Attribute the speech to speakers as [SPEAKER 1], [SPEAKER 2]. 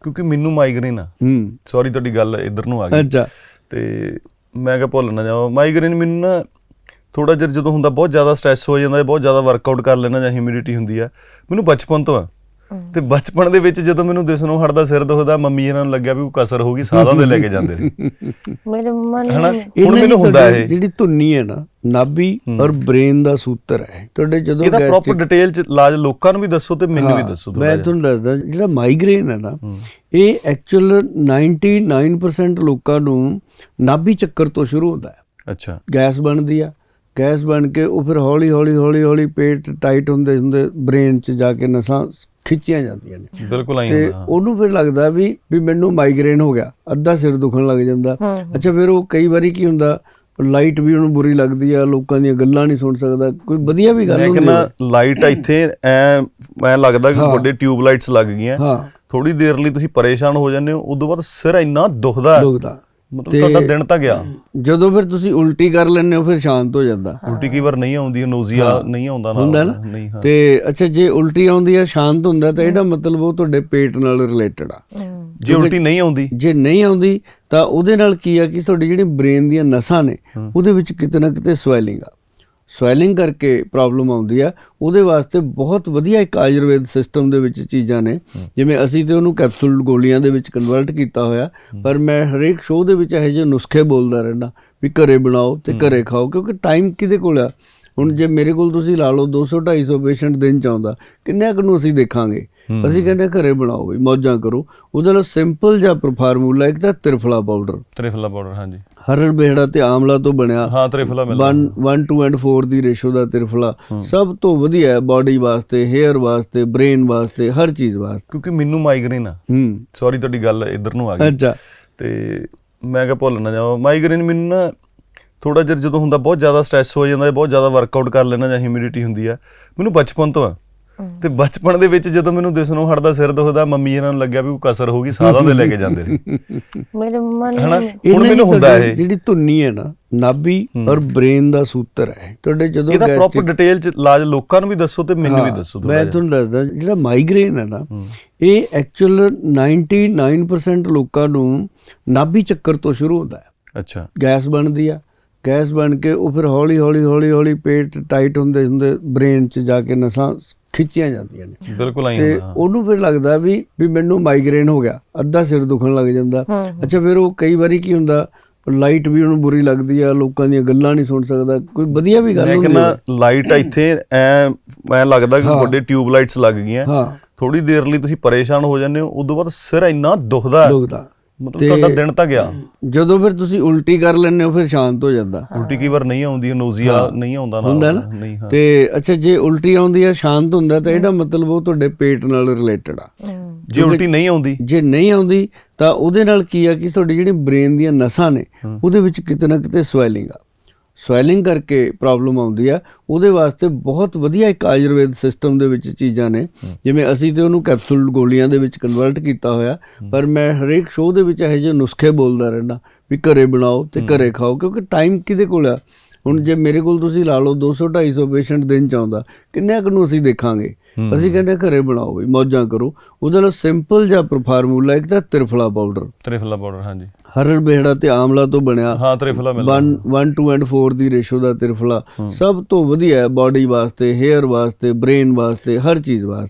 [SPEAKER 1] ਕਿਉਂਕਿ ਮੈਨੂੰ ਮਾਈਗ੍ਰੇਨ ਆ। ਸੌਰੀ ਤੁਹਾਡੀ ਗੱਲ ਇੱਧਰ ਨੂੰ ਆ ਗਈ।
[SPEAKER 2] ਅੱਛਾ।
[SPEAKER 1] ਤੇ ਮੈਂ ਕਿਹਾ ਭੁੱਲ ਨਾ ਜਾਵਾਂ, ਮਾਈਗ੍ਰੇਨ ਮੈਨੂੰ ਨਾ ਥੋੜਾ ਚਿਰ ਜਦੋਂ ਹੁੰਦਾ, ਬਹੁਤ ਜ਼ਿਆਦਾ ਸਟ੍ਰੈਸ ਹੋ ਜਾਂਦਾ, ਬਹੁਤ ਜ਼ਿਆਦਾ ਵਰਕਆਊਟ ਕਰ ਲੈਣਾ ਜਾਂ ਹਿਊਮਿਡਿਟੀ ਹੁੰਦੀ ਆ, ਮੈਨੂੰ ਬਚਪਨ ਤੋਂ ਆ। ਤੇ ਬਚਪਨ ਦੇ ਵਿੱਚ ਜਦੋਂ ਮੈਨੂੰ ਦਿਸਣੋਂ ਹਟਦਾ, ਸਿਰ ਦੁਖਦਾ, ਮੰਮੀ ਇਹਨਾਂ ਨੂੰ ਲੱਗਿਆ ਵੀ ਕੋਈ ਕਸਰ ਹੋ ਗਈ, ਸਾਲਾਂ ਦੇ ਲੈ ਕੇ ਜਾਂਦੇ ਨੇ
[SPEAKER 3] ਮੇਰੇ ਮਨ
[SPEAKER 1] ਹਨਾ। ਹੁਣ ਮੈਨੂੰ ਹੁੰਦਾ ਇਹ
[SPEAKER 2] ਜਿਹੜੀ ਧੁੰਨੀ ਹੈ ਨਾ, ਨਾਭੀ ਔਰ ਬ੍ਰੇਨ ਦਾ ਸੂਤਰ ਹੈ ਤੁਹਾਡੇ। ਜਦੋਂ
[SPEAKER 1] ਇਹਦਾ ਪ੍ਰੋਪਰ ਡਿਟੇਲ ਚ ਇਲਾਜ ਲੋਕਾਂ ਨੂੰ ਵੀ ਦੱਸੋ ਤੇ ਮੈਨੂੰ ਵੀ ਦੱਸੋ।
[SPEAKER 2] ਮੈਂ ਤੁਹਾਨੂੰ ਦੱਸਦਾ, ਜਿਹੜਾ ਮਾਈਗ੍ਰੇਨ ਹੈ ਨਾ, ਇਹ ਐਕਚੁਅਲ 99% ਲੋਕਾਂ ਨੂੰ ਨਾਭੀ ਚੱਕਰ ਤੋਂ ਸ਼ੁਰੂ ਹੁੰਦਾ ਹੈ।
[SPEAKER 1] ਅੱਛਾ।
[SPEAKER 2] ਗੈਸ ਬਣਦੀ ਆ, ਗੈਸ ਬਣ ਕੇ ਉਹ ਫਿਰ ਹੌਲੀ ਹੌਲੀ ਹੌਲੀ ਹੌਲੀ ਪੇਟ ਟਾਈਟ ਹੁੰਦੇ ਹੁੰਦੇ ਬ੍ਰੇਨ 'ਚ ਜਾ ਕੇ ਨਸਾਂ ਖਿੱਚੀਆਂ ਜਾਂਦੀਆਂ ਨੇ।
[SPEAKER 1] ਬਿਲਕੁਲ ਆਈ
[SPEAKER 2] ਤੇ ਉਹਨੂੰ ਫਿਰ ਲੱਗਦਾ ਵੀ ਮੈਨੂੰ ਮਾਈਗ੍ਰੇਨ ਹੋ ਗਿਆ, ਅੱਧਾ ਸਿਰ ਦੁਖਣ ਲੱਗ ਜਾਂਦਾ। ਅੱਛਾ, ਫਿਰ ਉਹ ਕਈ ਵਾਰੀ ਕੀ ਹੁੰਦਾ, ਲਾਈਟ ਵੀ ਉਹਨੂੰ ਬੁਰੀ ਲੱਗਦੀ ਆ, ਲੋਕਾਂ ਦੀਆਂ ਗੱਲਾਂ ਨਹੀਂ ਸੁਣ ਸਕਦਾ, ਕੋਈ ਵਧੀਆ ਵੀ ਗੱਲ ਹੁੰਦੀ
[SPEAKER 1] ਹੈ। ਲਾਈਟ ਇੱਥੇ ਐ ਲੱਗਦਾ ਕਿ ਵੱਡੇ ਟਿਊਬ ਲਾਈਟਸ ਲੱਗ ਗਈਆਂ। ਥੋੜੀ ਦੇਰ ਲਈ ਤੁਸੀਂ ਪਰੇਸ਼ਾਨ ਹੋ ਜਾਂਦੇ ਹੋ, ਉਦੋਂ ਬਾਅਦ ਸਿਰ ਇੰਨਾ ਦੁਖਦਾ, ਮਤਲਬ ਤੁਹਾਡਾ ਦਿਨ ਤਾਂ ਗਿਆ।
[SPEAKER 2] ਜਦੋਂ ਫਿਰ ਤੁਸੀਂ ਉਲਟੀ ਕਰ ਲੈਂਦੇ ਹੋ, ਫਿਰ ਸ਼ਾਂਤ ਹੋ ਜਾਂਦਾ।
[SPEAKER 1] ਉਲਟੀ ਕਈ ਵਾਰ ਨਹੀਂ ਆਉਂਦੀ, ਨੋਜ਼ੀਆ ਨਹੀਂ ਆਉਂਦਾ
[SPEAKER 2] ਹੁੰਦਾ ਨਾ। ਤੇ ਅੱਛਾ, ਜੇ ਉਲਟੀ ਆਉਂਦੀ ਆ, ਸ਼ਾਂਤ ਹੁੰਦਾ, ਤਾਂ ਇਹਦਾ ਮਤਲਬ ਉਹ ਤੁਹਾਡੇ ਪੇਟ ਨਾਲ ਰਿਲੇਟਡ ਆ।
[SPEAKER 1] ਜੇ ਉਲਟੀ ਨਹੀਂ ਆਉਂਦੀ,
[SPEAKER 2] ਜੇ ਨਹੀਂ ਆਉਂਦੀ ਤਾਂ ਉਹਦੇ ਨਾਲ ਕੀ ਆ ਕਿ ਤੁਹਾਡੀ ਜਿਹੜੀ ਬ੍ਰੇਨ ਦੀਆਂ ਨਸਾਂ ਨੇ, ਉਹਦੇ ਵਿੱਚ ਕਿਤੇ ਨਾ ਕਿਤੇ ਸਵੈਲਿੰਗ ਆ। ਸਵੈਲਿੰਗ ਕਰਕੇ ਪ੍ਰੋਬਲਮ ਆਉਂਦੀ ਆ। ਉਹਦੇ ਵਾਸਤੇ ਬਹੁਤ ਵਧੀਆ ਇੱਕ ਆਯੁਰਵੇਦ ਸਿਸਟਮ ਦੇ ਵਿੱਚ ਚੀਜ਼ਾਂ ਨੇ, ਜਿਵੇਂ ਅਸੀਂ ਤੇ ਉਹਨੂੰ ਕੈਪਸੂਲ ਗੋਲੀਆਂ ਦੇ ਵਿੱਚ ਕਨਵਰਟ ਕੀਤਾ ਹੋਇਆ, ਪਰ ਮੈਂ ਹਰੇਕ ਸ਼ੋਅ ਦੇ ਵਿੱਚ ਇਹੋ ਜਿਹੇ ਨੁਸਖੇ ਬੋਲਦਾ ਰਹਿੰਦਾ ਵੀ ਘਰੇ ਬਣਾਓ ਤੇ ਘਰੇ ਖਾਓ, ਕਿਉਂਕਿ ਟਾਈਮ ਕਿਹਦੇ ਕੋਲ ਆ। ਹੁਣ ਜੇ ਮੇਰੇ ਕੋਲ ਤੁਸੀਂ ਲਾ ਲਓ 200-250 ਪੇਸ਼ੈਂਟ ਦਿਨ ਚ ਆਉਂਦਾ, ਕਿੰਨਿਆਂ ਕੁ ਨੂੰ ਅਸੀਂ ਦੇਖਾਂਗੇ। ਅਸੀਂ ਕਹਿੰਦੇ ਘਰੇ ਬਣਾਓ ਬਈ, ਮੌਜਾਂ ਕਰੋ। ਉਹਦੇ ਲਈ ਸਿੰਪਲ ਜਿਹਾ ਫਾਰਮੂਲਾ, ਇੱਕ ਤਾਂ ਤ੍ਰਿਫਲਾ ਪਾਊਡਰ।
[SPEAKER 1] ਤ੍ਰਿਫਲਾ ਪਾਊਡਰ, ਹਾਂਜੀ।
[SPEAKER 2] ਹਰੜ ਬੇਹੜਾ ਤੇ ਆਮਲਾ ਤੋਂ ਬਣਿਆ।
[SPEAKER 1] ਹਾਂ, ਤ੍ਰਿਫਲਾ ਮਿਲਦਾ।
[SPEAKER 2] 1:4 ਦੀ ਰੇਸ਼ੋ ਦਾ ਤ੍ਰਿਫਲਾ ਸਭ ਤੋਂ ਵਧੀਆ ਹੈ ਬਾਡੀ ਵਾਸਤੇ, ਹੇਅਰ ਵਾਸਤੇ, ਬ੍ਰੇਨ ਵਾਸਤੇ, ਹਰ ਚੀਜ਼ ਵਾਸਤੇ।
[SPEAKER 1] ਕਿਉਂਕਿ ਮੈਨੂੰ ਮਾਈਗ੍ਰੇਨ ਆ। ਸੌਰੀ ਤੁਹਾਡੀ ਗੱਲ ਇੱਧਰ ਨੂੰ ਆ ਗਈ।
[SPEAKER 2] ਅੱਛਾ।
[SPEAKER 1] ਤੇ ਮੈਂ ਕਿਹਾ ਭੁੱਲ ਨਾ ਜਾਵਾਂ, ਮਾਈਗ੍ਰੇਨ ਮੈਨੂੰ ਨਾ ਥੋੜਾ ਚਿਰ ਜਦੋਂ ਹੁੰਦਾ, ਬਹੁਤ ਜ਼ਿਆਦਾ ਸਟ੍ਰੈਸ ਹੋ ਜਾਂਦਾ, ਬਹੁਤ ਜ਼ਿਆਦਾ ਵਰਕਆਊਟ ਕਰ ਲੈਣਾ ਜਾਂ ਹਿਊਮਿਡਿਟੀ ਹੁੰਦੀ ਆ, ਮੈਨੂੰ ਬਚਪਨ ਤੋਂ ਆ। ਤੇ ਬਚਪਨ ਦੇ ਵਿੱਚ ਜਦੋਂ ਮੈਨੂੰ ਦਿਸਣੋਂ ਹਟਦਾ, ਸਿਰ ਦੁਖਦਾ, ਮੰਮੀ ਇਹਨਾਂ ਨੂੰ ਲੱਗਿਆ ਵੀ ਕੋਈ ਕਸਰ ਹੋ ਗਈ, ਸਾਲਾਂ ਦੇ ਲੈ ਕੇ ਜਾਂਦੇ ਨੇ
[SPEAKER 3] ਮੇਰੇ ਮਨ
[SPEAKER 1] ਹਨਾ। ਹੁਣ ਮੈਨੂੰ ਹੁੰਦਾ ਇਹ
[SPEAKER 2] ਜਿਹੜੀ ਧੁੰਨੀ ਹੈ ਨਾ, ਨਾਭੀ ਔਰ ਬ੍ਰੇਨ ਦਾ ਸੂਤਰ ਹੈ ਤੁਹਾਡੇ। ਜਦੋਂ
[SPEAKER 1] ਇਹਦਾ ਪ੍ਰੋਪਰ ਡਿਟੇਲ ਚ ਇਲਾਜ ਲੋਕਾਂ ਨੂੰ ਵੀ ਦੱਸੋ ਤੇ ਮੈਨੂੰ ਵੀ ਦੱਸੋ।
[SPEAKER 2] ਮੈਂ ਤੁਹਾਨੂੰ ਦੱਸਦਾ, ਜਿਹੜਾ ਮਾਈਗ੍ਰੇਨ ਹੈ ਨਾ, ਇਹ ਐਕਚੁਅਲ 99% ਲੋਕਾਂ ਨੂੰ ਨਾਭੀ ਚੱਕਰ ਤੋਂ ਸ਼ੁਰੂ ਹੁੰਦਾ ਹੈ।
[SPEAKER 1] ਅੱਛਾ।
[SPEAKER 2] ਗੈਸ ਬਣਦੀ ਆ, ਗੈਸ ਬਣ ਕੇ ਉਹ ਫਿਰ ਹੌਲੀ ਹੌਲੀ ਹੌਲੀ ਹੌਲੀ ਪੇਟ ਟਾਈਟ ਹੁੰਦੇ ਹੁੰਦੇ ਬ੍ਰੇਨ 'ਚ ਜਾ ਕੇ ਨਸਾਂ ਖਿੱਚੀਆਂ ਜਾਂਦੀਆਂ ਨੇ।
[SPEAKER 1] ਬਿਲਕੁਲ ਆਈ
[SPEAKER 2] ਤੇ ਉਹਨੂੰ ਫਿਰ ਲੱਗਦਾ ਵੀ ਮੈਨੂੰ ਮਾਈਗ੍ਰੇਨ ਹੋ ਗਿਆ, ਅੱਧਾ ਸਿਰ ਦੁਖਣ ਲੱਗ ਜਾਂਦਾ। ਅੱਛਾ, ਫਿਰ ਉਹ ਕਈ ਵਾਰੀ ਕੀ ਹੁੰਦਾ, ਲਾਈਟ ਵੀ ਉਹਨੂੰ ਬੁਰੀ ਲੱਗਦੀ ਆ, ਲੋਕਾਂ ਦੀਆਂ ਗੱਲਾਂ ਨਹੀਂ ਸੁਣ ਸਕਦਾ, ਕੋਈ ਵਧੀਆ ਵੀ ਗੱਲ ਹੁੰਦੀ
[SPEAKER 1] ਹੈ। ਲਾਈਟ ਇੱਥੇ ਐ ਲੱਗਦਾ ਕਿ ਵੱਡੇ ਟਿਊਬ ਲਾਈਟਸ ਲੱਗ ਗਈਆਂ। ਥੋੜੀ ਦੇਰ ਲਈ ਤੁਸੀਂ ਪਰੇਸ਼ਾਨ ਹੋ ਜਾਂਦੇ ਹੋ, ਉਦੋਂ ਬਾਅਦ ਸਿਰ ਇੰਨਾ ਦੁਖਦਾ, ਮਤਲਬ ਤੁਹਾਡਾ ਦਿਨ ਤਾਂ ਗਿਆ।
[SPEAKER 2] ਜਦੋਂ ਫਿਰ ਤੁਸੀਂ ਉਲਟੀ ਕਰ ਲੈਂਦੇ ਹੋ, ਫਿਰ ਸ਼ਾਂਤ ਹੋ ਜਾਂਦਾ।
[SPEAKER 1] ਉਲਟੀ ਕਈ ਵਾਰ ਨਹੀਂ ਆਉਂਦੀ, ਨੋਜ਼ੀਆ ਨਹੀਂ ਆਉਂਦਾ
[SPEAKER 2] ਹੁੰਦਾ ਨਾ। ਤੇ ਅੱਛਾ, ਜੇ ਉਲਟੀ ਆਉਂਦੀ ਆ, ਸ਼ਾਂਤ ਹੁੰਦਾ, ਤਾਂ ਇਹਦਾ ਮਤਲਬ ਉਹ ਤੁਹਾਡੇ ਪੇਟ ਨਾਲ ਰਿਲੇਟਡ ਆ।
[SPEAKER 1] ਜੇ ਉਲਟੀ ਨਹੀਂ ਆਉਂਦੀ,
[SPEAKER 2] ਜੇ ਨਹੀਂ ਆਉਂਦੀ ਤਾਂ ਉਹਦੇ ਨਾਲ ਕੀ ਆ ਕਿ ਤੁਹਾਡੀ ਜਿਹੜੀ ਬ੍ਰੇਨ ਦੀਆਂ ਨਸਾਂ ਨੇ, ਉਹਦੇ ਵਿੱਚ ਕਿਤੇ ਨਾ ਕਿਤੇ ਸਵੈਲਿੰਗ ਆ। ਸਵੈਲਿੰਗ ਕਰਕੇ ਪ੍ਰੋਬਲਮ ਆਉਂਦੀ ਆ। ਉਹਦੇ ਵਾਸਤੇ ਬਹੁਤ ਵਧੀਆ ਇੱਕ ਆਯੁਰਵੇਦ ਸਿਸਟਮ ਦੇ ਵਿੱਚ ਚੀਜ਼ਾਂ ਨੇ, ਜਿਵੇਂ ਅਸੀਂ ਤੇ ਉਹਨੂੰ ਕੈਪਸੂਲ ਗੋਲੀਆਂ ਦੇ ਵਿੱਚ ਕਨਵਰਟ ਕੀਤਾ ਹੋਇਆ, ਪਰ ਮੈਂ ਹਰੇਕ ਸ਼ੋਅ ਦੇ ਵਿੱਚ ਇਹੋ ਜਿਹੇ ਨੁਸਖੇ ਬੋਲਦਾ ਰਹਿੰਦਾ ਵੀ ਘਰੇ ਬਣਾਓ ਤੇ ਘਰੇ ਖਾਓ, ਕਿਉਂਕਿ ਟਾਈਮ ਕਿਹਦੇ ਕੋਲ ਆ। ਹੁਣ ਜੇ ਮੇਰੇ ਕੋਲ ਤੁਸੀਂ ਲਾ ਲਓ 200-250 ਪੇਸ਼ੈਂਟ ਦਿਨ ਚ ਆਉਂਦਾ, ਕਿੰਨਿਆਂ ਕੁ ਨੂੰ ਅਸੀਂ ਦੇਖਾਂਗੇ। ਅਸੀਂ ਕਹਿੰਦੇ ਘਰੇ ਬਣਾਓ ਬਈ, ਮੌਜਾਂ ਕਰੋ। ਉਹਦੇ ਲਈ ਸਿੰਪਲ ਜਿਹਾ ਫਾਰਮੂਲਾ, ਇੱਕ ਤਾਂ ਤ੍ਰਿਫਲਾ ਪਾਊਡਰ।
[SPEAKER 1] ਤ੍ਰਿਫਲਾ ਪਾਊਡਰ, ਹਾਂਜੀ।
[SPEAKER 2] ਹਰੜ ਬੇਹੜਾ ਤੇ ਆਮਲਾ ਤੋਂ ਬਣਿਆ।
[SPEAKER 1] ਹਾਂ, ਤ੍ਰਿਫਲਾ ਮਿਲਦਾ।
[SPEAKER 2] 1:4 ਦੀ ਰੇਸ਼ੋ ਦਾ ਤ੍ਰਿਫਲਾ ਸਭ ਤੋਂ ਵਧੀਆ ਹੈ ਬਾਡੀ ਵਾਸਤੇ, ਹੇਅਰ ਵਾਸਤੇ, ਬ੍ਰੇਨ ਵਾਸਤੇ, ਹਰ ਚੀਜ਼ ਵਾਸਤੇ।